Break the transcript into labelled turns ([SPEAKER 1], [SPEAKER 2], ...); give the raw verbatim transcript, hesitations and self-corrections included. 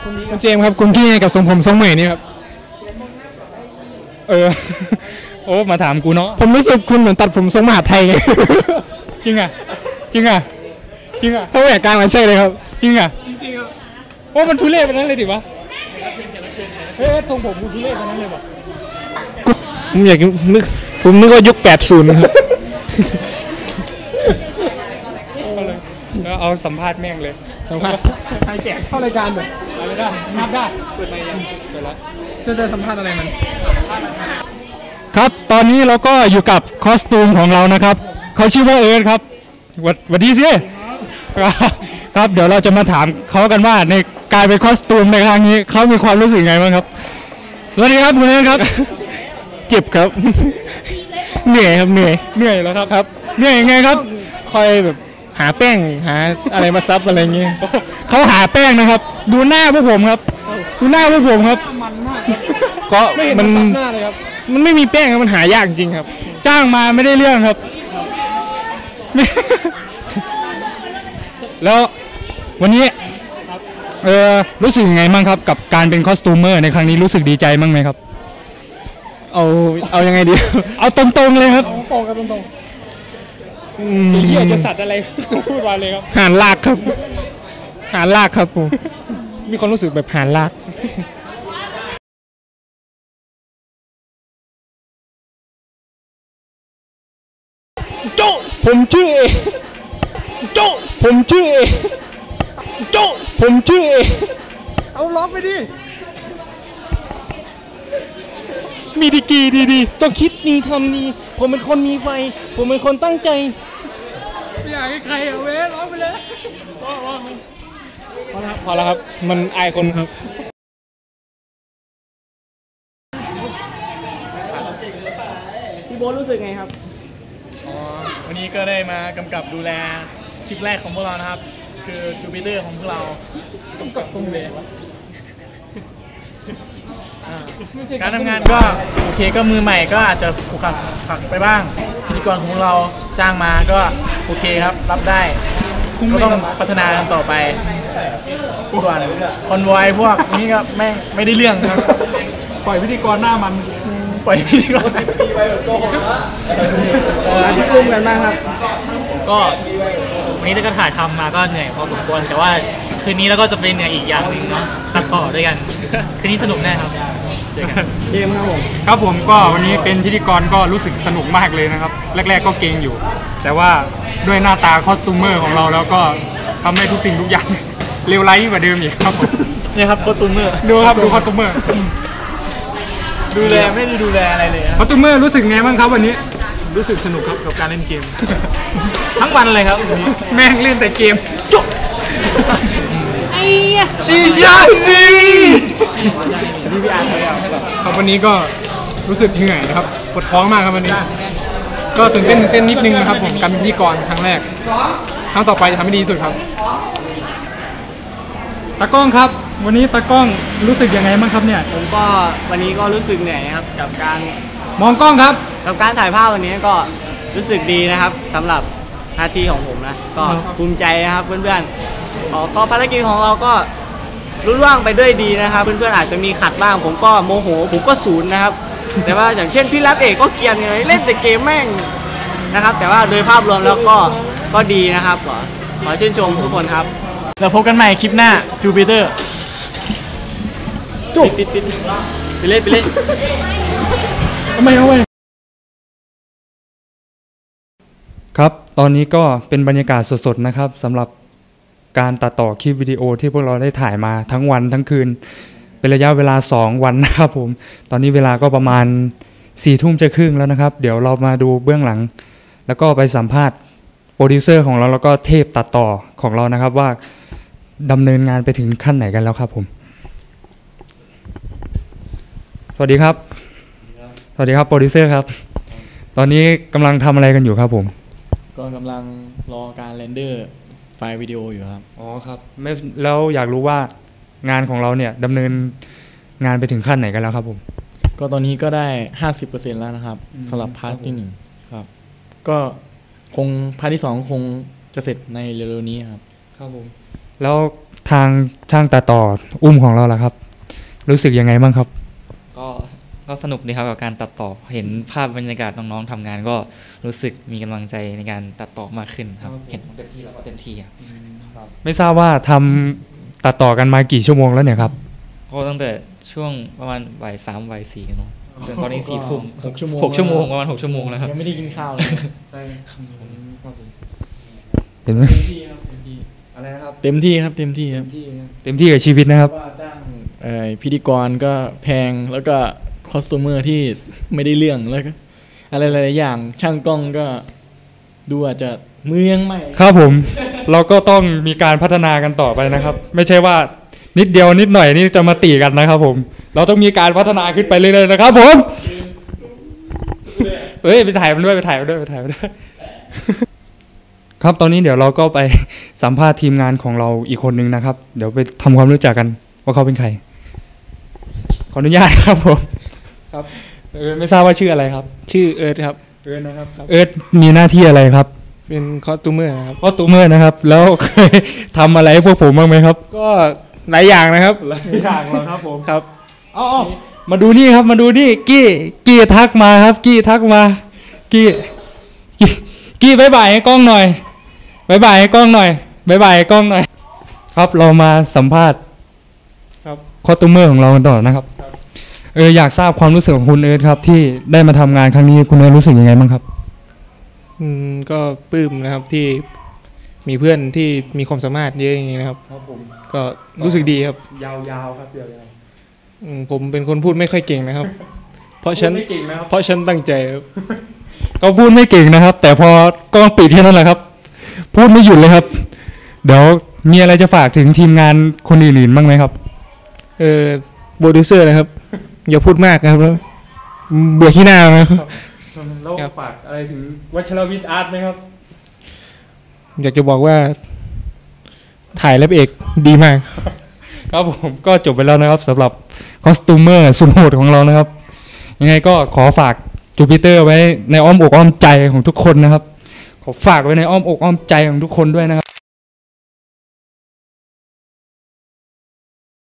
[SPEAKER 1] คุณเจมส์ครับคุณพี่กับทรงผมทรงใหม่นี่ครับเออโอ้มาถามกูเนาะผมรู้สึกคุณเหมือนตัดผมทรงมหาไทยไงจริงอ่ะจริงอ่ะจริงอ่ะถ้าแหวกกลางมันใช่เลยครับจริงอ่ะจริงๆครับโอ้มันทุเรศไปนั้นเลยดิวะเฮ้ยทรงผมกูทุเรศไปนั้นเลยว่ะผมอยากนึกผมนึกว่ายุคแปดสิบครับแล้วเอาสัมภาษณ์แม่งเลยสัมภาษณ์ใครแจกเข้ารายการแบบอะไรได้นับได้เปิดไมค์ยังเปิดแล้วจะจะสัมภาษณ์อะไรมันครับตอนนี้เราก็อยู่กับคอสตูมของเรานะครับเขาชื่อว่าเอิร์ธครับวัดวัดดีสิครับเดี๋ยวเราจะมาถามเขากันว่าในการเป็นคอสตูมในครั้งนี้เขามีความรู้สึกไงบ้างครับสวัสดีครับคุณเอิร์ธครับเจ็บครับเหนื่อยครับเหนื่อยเหนื่อยแล้วครับครับเหนื่อยยังไงครับคอยแบบหาแป้งหาอะไรมาซับอะไรเงี้ยเขาหาแป้งนะครับดูหน้าพวกผมครับดูหน้าพวกผมครับมันมากก็มันมันไม่มีแป้งมันหายากจริงครับจ้างมาไม่ได้เรื่องครับแล้ววันนี้เออรู้สึกยังไงบ้างครับกับการเป็นคอสตูมเมอร์ในครั้งนี้รู้สึกดีใจมั้งไหมครับเอาเอายังไงดีเอาตรงๆเลยครับตรงๆครับตรงๆจะเหี้ยจะสัตว์อะไรพูดมาเลยครับหานลากครับหานลากครับผมมีความรู้สึกแบบหานลากโจ้ผมชื่อเอโจ้ผมชื่อเอโจ้ผมชื่อเอเอาร้องไปดิมีดีกีดีๆต้องคิดดีทำดีผมเป็นคนมีไฟผมเป็นคนตั้งใจไม่อยากให้ใครเอาเว้ร้องไปเลยพอแล้วพอแล้วครับมันอายคนครับ
[SPEAKER 2] พี่โบ๊ทรู้สึกไงครับ
[SPEAKER 3] อ๋อวันนี้ก็ได้มากำกับดูแลคลิปแรกของพวกเรานะครับคือจูปิเตอร์ของพวกเรากำกับตรงเลยการทำงานก็โอเคก็มือใหม่ก็อาจจะขรุขระขักไปบ้างพิธีกรของเราจ้างมาก็โอเคครับรับได้ก็ต้องพัฒนากันต่อไปส่วนคอนวอยพวกนี้ก็ไม่ไม่ได้เรื่องครับ
[SPEAKER 1] ปล่อยพิธีกรหน้ามัน
[SPEAKER 3] ปล่อยพิธีกร
[SPEAKER 2] ที่ร่วมกันมากครับ
[SPEAKER 4] ก็วันนี้ก็ถ่ายทำมาก็เหนื่อยพอสมควรแต่ว่าคืนนี้เราก็จะเป็นเหนื่อยอีกอย่างหนึ่งเนาะตัดต่อด้วยกันคืนนี้สนุกแน่ครับ
[SPEAKER 2] เกมครับผม
[SPEAKER 1] ครับผมก็วันนี้เป็นพิธีกรก็รู้สึกสนุกมากเลยนะครับแรกๆก็เกรงอยู่แต่ว่าด้วยหน้าตาคอสตูมเมอร์ของเราแล้วก็ทำให้ทุกสิ่งทุกอย่างเร็วไร้กว่าเดิมอีกครับผม
[SPEAKER 3] นี่ครับคอสตูมเมอร์
[SPEAKER 1] ดูครับดูคอสตูมเมอร์
[SPEAKER 3] ดูแลไม่ได้ดูแลอะไรเลย
[SPEAKER 1] คอสตูมเมอร์รู้สึกไงบ้างครับวันนี้
[SPEAKER 3] รู้สึกสนุกครับกับการเล่นเกมทั้งวันเลยครับวันนี้
[SPEAKER 1] แม่งเล่นแต่เกมจบ
[SPEAKER 4] ไอ้
[SPEAKER 1] ชิชาดี
[SPEAKER 2] นี่พี่อาร์ต
[SPEAKER 1] ครับวันนี้ก็รู้สึกเหนื่อยนะครับปวดท้องมากครับวันนี้ก็ตื่นเต้นตื่นเต้นนิดนึงนะครับผมการเป็นพิธีกรครั้งแรกครั้งต่อไปจะทำให้ดีที่สุดครับตากล้องครับวันนี้ตากล้องรู้สึกยังไงบ้างครับเนี่ย
[SPEAKER 2] ผมก็วันนี้ก็รู้สึกเหนื่อยครับกับการ
[SPEAKER 1] มองกล้องครับ
[SPEAKER 2] กับการถ่ายภาพวันนี้ก็รู้สึกดีนะครับสำหรับหน้าที่ของผมนะก็ภูมิใจนะครับเพื่อนๆก็ภารกิจของเราก็รุ่ร่วงไปด้วยดีนะครับเพื่อนๆอาจจะมีขัดบ้างผมก็โมโหผมก็ศูนย์นะครับแต่ว่าอย่างเช่นพี่รับเอกก็เกียนไงเล่นแต่เกมแม่งนะครับแต่ว่าโดยภาพรวมแล้วก็ก็ดีนะครับขอขอชื่นชมทุกคนครับ
[SPEAKER 3] เราพบกันใหม่คลิปหน้าจูปิเตอร์
[SPEAKER 2] จุ๊บปิดปิดไปเล่นไปเล่น
[SPEAKER 1] ทำไมเอาไว้ครับตอนนี้ก็เป็นบรรยากาศสดๆนะครับสำหรับการตัดต่อคลิปวิดีโอที่พวกเราได้ถ่ายมาทั้งวันทั้งคืนเป็นระยะเวลาสองวันนะครับผมตอนนี้เวลาก็ประมาณสี่ทุ่มจะครึ่งแล้วนะครับเดี๋ยวเรามาดูเบื้องหลังแล้วก็ไปสัมภาษณ์โปรดิวเซอร์ของเราแล้วก็เทพตัดต่อของเรานะครับว่าดำเนินงานไปถึงขั้นไหนกันแล้วครับผมสวัสดีครับสวัสดีครับโปรดิวเซอร์ครับตอนนี้กำลังทำอะไรกันอยู่ครับผม
[SPEAKER 3] ก็กำลังรอการเรนเดอร์ไฟล์วิดีโออยู่ครับ
[SPEAKER 1] อ๋อครับไม่แล้วอยากรู้ว่างานของเราเนี่ยดำเนินงานไปถึงขั้นไหนกันแล้วครับผม
[SPEAKER 3] ก็ตอนนี้ก็ได้ ห้าสิบเปอร์เซ็นต์ แล้วนะครับสำหรับพาร์ทที่หนึ่งครับก็คงพาร์ทที่สองคงจะเสร็จในเร็วๆนี้ครับ
[SPEAKER 1] ครับผมแล้วทางช่างตัดต่ออุ้มของเราล่ะครับ รู้สึกยังไงบ้างครับ
[SPEAKER 4] ก็ก็สนุกดีครับกับการตัดต่อเห็นภาพบรรยากาศน้องๆทำงาน ก็รู้สึกมีกำลังใจในการตัดต่อมากขึ้นครับเห็นเต็มที่แล้วก็เต็มที่ครับ
[SPEAKER 1] ไม่ทราบว่าทำตัดต่อกันมากี่ชั่วโมงแล้วเนี่ยครับ
[SPEAKER 4] ก็ตั้งแต่ช่วงประมาณบ่ายสามบ่ายสี่เนาะจนตอนนี้สี่ทุ่ม
[SPEAKER 3] หกชั่วโมง
[SPEAKER 4] หกชั่วโมงประมาณหกชั่วโมงแล้วครับ
[SPEAKER 3] ยังไม่ได้กินข้าวเลย
[SPEAKER 1] เห็นไหม
[SPEAKER 3] อะไรนะครับเต็มที่ครับเต็มที่ครับ
[SPEAKER 1] เต็มที่กับชีวิตนะครับ
[SPEAKER 3] ว่าจ้างเอ่อพิธีกรก็แพงแล้วก็คอสตูเมอร์ที่ไม่ได้เรื่องแล้วก็อะไรหลายๆอย่างช่างกล้องก็ดูอาจจะมือยังใหม่
[SPEAKER 1] ครับผม เราก็ต้องมีการพัฒนากันต่อไปนะครับ ไม่ใช่ว่านิดเดียวนิดหน่อยนี่จะมาตีกันนะครับผม เราต้องมีการพัฒนาขึ้นไปเรื่อยๆนะครับผมเฮ้ยไปถ่ายมันด้วยไปถ่ายมันด้วยไปถ่ายมันด้วย ครับตอนนี้เดี๋ยวเราก็ไปสัมภาษณ์ทีมงานของเราอีกคนนึงนะครับ เดี๋ยวไปทำความรู้จักกันว่าเขาเป็นใคร ขออนุญาตครับผมครับเออไม่ทราบว่าชื่ออะไรครับ
[SPEAKER 5] ชื่อเอิร์ธครับ
[SPEAKER 1] เอิร์ธนะครับเอิร์ธมีหน้าที่อะไรครับ
[SPEAKER 5] เป็นคอสตูเมอร์ครับ
[SPEAKER 1] ก็ตูเมอร์นะครับ แล้วเคยทำอะไรให้พวกผมบ้างไหมครับ
[SPEAKER 5] ก็หลายอย่างนะครับ
[SPEAKER 1] หลายอย่างแล้วครับผม
[SPEAKER 5] ครับ
[SPEAKER 1] อ๋อมาดูนี่ครับมาดูนี่กี้กี้ทักมาครับ กี้ทักมากี้กี้กี้บายบายให้กล้องหน่อยบายบายให้กล้องหน่อยบายบายให้กล้องหน่อย ครับเรามาสัมภาษณ์
[SPEAKER 5] ครับ
[SPEAKER 1] คอสตูเมอร์ของเรากันต่อนะครับเอออยากทราบความรู้สึกของคุณเอิร์ธครับ ที่ได้มาทำงานครั้งนี้คุณเอิร์ธรู้สึกยังไงบ้างครับ
[SPEAKER 5] อืมก็ปลื้มนะครับที่มีเพื่อนที่มีความสามารถเยอะอย่างนี้นะครับ
[SPEAKER 1] ครับผม
[SPEAKER 5] ก็รู้สึกดีครับ
[SPEAKER 1] ยาวๆครับยาว
[SPEAKER 5] อืมผมเป็นคนพูดไม่ค่อยเก่งนะครับ เพราะ
[SPEAKER 1] ๆ
[SPEAKER 5] ฉัน
[SPEAKER 1] ไม่เก่งนะครับ
[SPEAKER 5] เพราะฉันตั้งใจครับ
[SPEAKER 1] เขาพูดไม่เก่งนะครับ แต่พอกล้องปิดแค่นั้นแหละครับ พูดไม่หยุดเลยครับ เดี๋ยวมีอะไรจะฝากถึงทีมงานคนอื่นๆบ้างไหมครับ
[SPEAKER 5] เออโปรดิวเซอร์นะครับ อย่าพูดมากนะครับแล้วเบื่อขี้หน้านะครับ
[SPEAKER 1] แล้วฝากอะไรถึงวัชรวิทย์อาร์ตไหมครับ
[SPEAKER 5] อยากจะบอกว่าถ่ายแล้วเอกดีมาก
[SPEAKER 1] ครับผมก็จบไปแล้วนะครับสำหรับคอสตูเมอร์สุดโหดของเรานะครับ ยังไงก็ขอฝากจูปิเตอร์ไว้ในอ้อมอกอ้อมใจของทุกคนนะครับ ขอฝากไว้ในอ้อมอกอ้อมใจของทุกคนด้วยนะครับ